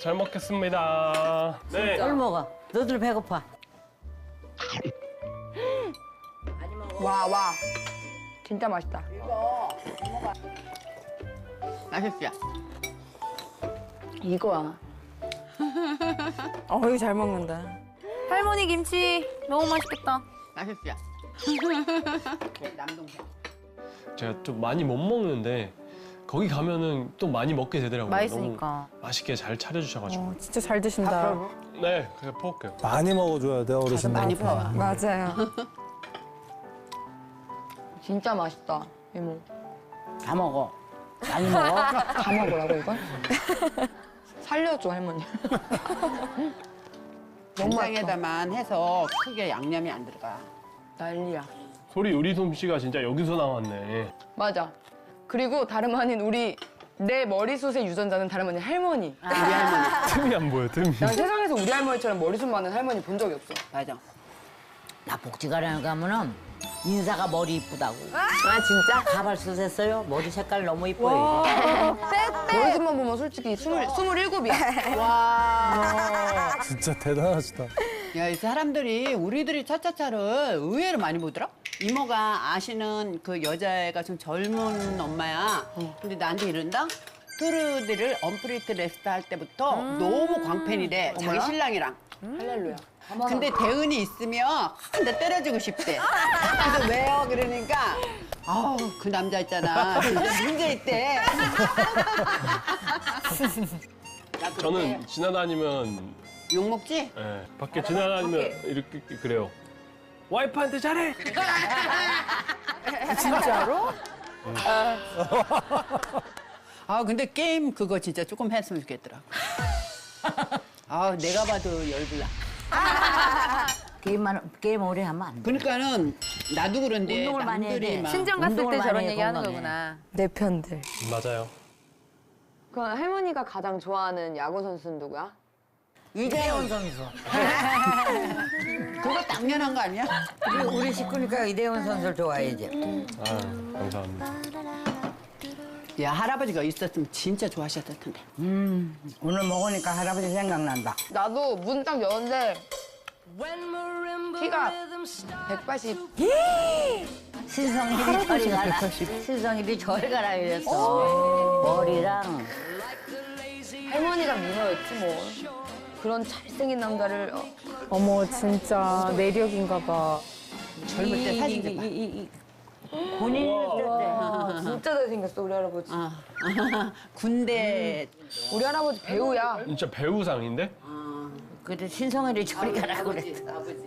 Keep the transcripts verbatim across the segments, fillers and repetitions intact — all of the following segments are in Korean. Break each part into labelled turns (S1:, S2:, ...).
S1: 잘 먹겠습니다. 네.
S2: 뭘 먹어? 너들 배고파.
S3: 와, 와. 진짜 맛있다.
S4: 맛있지?
S3: 이거야.
S5: 어이 잘 먹는다.
S6: 할머니 김치 너무 맛있겠다.
S4: 맛있지? 남동생.
S1: 제가 좀 많이 못 먹는데 거기 가면은 또 많이 먹게 되더라고요.
S6: 맛있으니까.
S1: 너무 맛있게 잘 차려주셔가지고.
S5: 어, 진짜 잘 드신다.
S1: 네, 그냥 퍼올게요.
S7: 많이 먹어줘야 돼 어르신들.
S4: 많이 퍼와.
S5: 맞아요.
S3: 진짜 맛있다, 이모.
S2: 다 먹어. 많이 먹어.
S3: 다 먹으라고, 이건? 살려줘, 할머니.
S4: 간장에다만 해서 크게 양념이 안 들어가.
S3: 난리야.
S1: 소리 요리 솜씨가 진짜 여기서 나왔네.
S3: 맞아. 그리고 다름 아닌 우리 내 머리숱의 유전자는 다름 아닌 할머니.
S4: 우리 할머니.
S1: 틈이 안 보여, 틈이.
S3: 난 세상에서 우리 할머니처럼 머리숱 많은 할머니 본 적이 없어.
S4: 맞아.
S2: 나 복지관에 가면은 인사가 머리 이쁘다고.
S3: 아, 진짜?
S2: 가발수 했어요? 머리 색깔 너무 이뻐요.
S3: 머리숱만 보면 솔직히 스물, 스물일곱이야.
S4: 와.
S7: 진짜 대단하시다.
S4: 야, 이 사람들이 우리들이 차차차를 의외로 많이 보더라? 이모가 아시는 그 여자애가 좀 젊은 엄마야. 근데 나한테 이런다? 트루드를 언프리트 레스트 할 때부터 너무 광팬이래. 자기 신랑이랑.
S3: 할렐루야.
S4: 근데 대은이 있으면 한 대 때려주고 싶대. 그래서 왜요? 그러니까 아우 그 남자 있잖아. 진짜 문제 있대.
S1: 저는 지나다니면,
S4: 욕 먹지?
S1: 예, 밖에 지나다니면 이렇게 그래요. 와이프한테 잘해!
S5: 진짜로?
S4: 아 근데 게임 그거 진짜 조금 했으면 좋겠더라. 아 내가 봐도 열불나.
S2: 게임만 게임 오래 하면 안 돼.
S4: 그러니까는 나도 그런데
S2: 운동을 많이 해야
S4: 남들이
S2: 돼.
S4: 막
S6: 친정 갔을
S2: 운동을
S6: 때 저런
S2: 많이 해,
S6: 얘기 하는
S2: 건강해.
S6: 거구나.
S5: 내 편들.
S1: 맞아요.
S3: 그럼 할머니가 가장 좋아하는 야구 선수는 누구야?
S2: 이대훈 선수.
S4: 그거 당연한 거 아니야?
S2: 우리, 우리 식구니까 이대훈 선수를 좋아해야지.
S1: 아, 감사합니다.
S4: 야 할아버지가 있었으면 진짜 좋아하셨을 텐데.
S2: 음, 오늘 먹으니까 할아버지 생각난다.
S3: 나도 문 딱 여는데 키가 백팔십.
S2: 신성일이 저리 가라. 신성일이 저리 가라 이랬어. 머리랑
S3: 할머니가 미녀였지 뭐. 그런 잘생긴 남자를 어,
S5: 어머 진짜 내력인가 봐.
S4: 젊을 때 사진 좀 봐.
S2: 이, 이, 이, 본인이 있을 때.
S3: 아, 진짜 잘생겼어 우리 할아버지.
S4: 아, 군대
S3: 우리 할아버지 배우야.
S1: 진짜 배우상인데?
S2: 그때 신성일이 저리 가라 그랬어.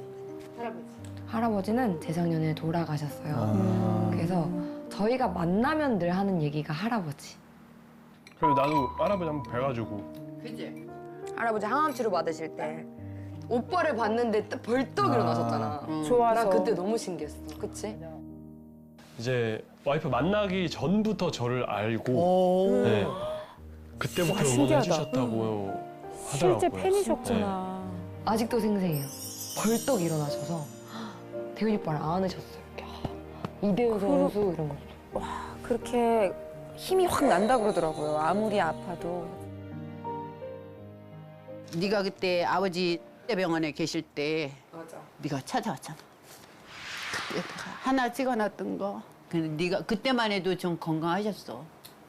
S3: 할아버지는 재작년에 돌아가셨어요. 그래서 저희가 만나면 늘 하는 얘기가 할아버지.
S1: 그래서 나도 할아버지 한번 뵈가지고.
S4: 그지?
S3: 할아버지 항암 치료 받으실 때 오빠를 봤는데 딱 벌떡 일어나셨잖아.
S5: 좋아서.
S3: 나 그때 너무 신기했어. 그치?
S1: 이제 와이프 만나기 전부터 저를 알고,
S4: 오.
S1: 네. 그때부터
S5: 와, 신기하다.
S1: 응원해주셨다고 하더라고요.
S5: 실제 팬이셨구나.
S3: 아직도 생생해요. 벌떡 일어나셔서 대훈이 오빠를 안으셨어요. 이대훈 선수 이런 거.
S5: 그렇게 힘이 확 난다 그러더라고요. 아무리 아파도.
S4: 네가 그때 아버지 병원에 계실 때
S3: 맞아.
S4: 네가 찾아왔잖아. 그때 하나 찍어놨던 거. 근데 네가 그때만 해도 좀 건강하셨어.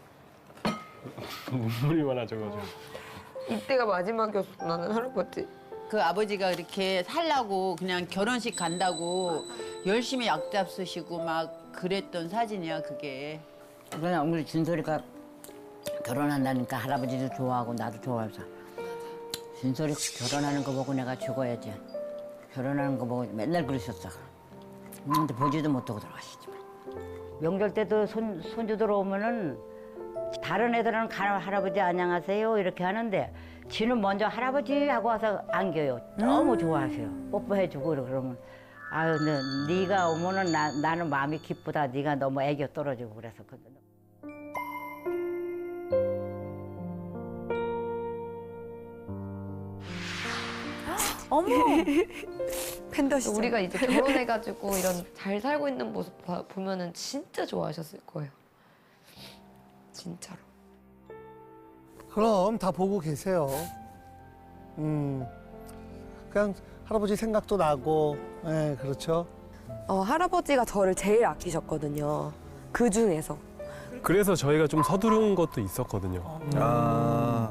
S1: 눈물이 많아져가지고.
S3: 이때가 마지막이었어 나는 할아버지.
S4: 그 아버지가 그렇게 살라고 그냥 결혼식 간다고 열심히 약잡 쓰시고 막 그랬던 사진이야 그게.
S2: 그냥 우리 진솔이가 결혼한다니까 할아버지도 좋아하고 나도 좋아해서 진솔이 결혼하는 거 보고 내가 죽어야지. 결혼하는 거 보고 맨날 그러셨어. 근데 보지도 못하고 돌아가시지만. 명절 때도 손, 손주들 오면은 다른 애들은 가, 할아버지 안녕하세요 이렇게 하는데 지는 먼저 할아버지 하고 와서 안겨요. 너무 좋아하세요. 뽀뽀해주고 그러면 아유 너, 네가 오면은 나, 나는 마음이 기쁘다. 네가 너무 애교 떨어지고 그래서.
S5: 어머. 팬더시죠.
S3: 우리가 이제 결혼해가지고 이런 잘 살고 있는 모습 봐- 보면은 진짜 좋아하셨을 거예요. 진짜로.
S7: 그럼 다 보고 계세요.
S8: 음, 그냥 할아버지 생각도 나고, 예, 그렇죠.
S5: 어, 할아버지가 저를 제일 아끼셨거든요. 그 중에서.
S1: 그래서 저희가 좀 서두른 것도 있었거든요.
S7: 아.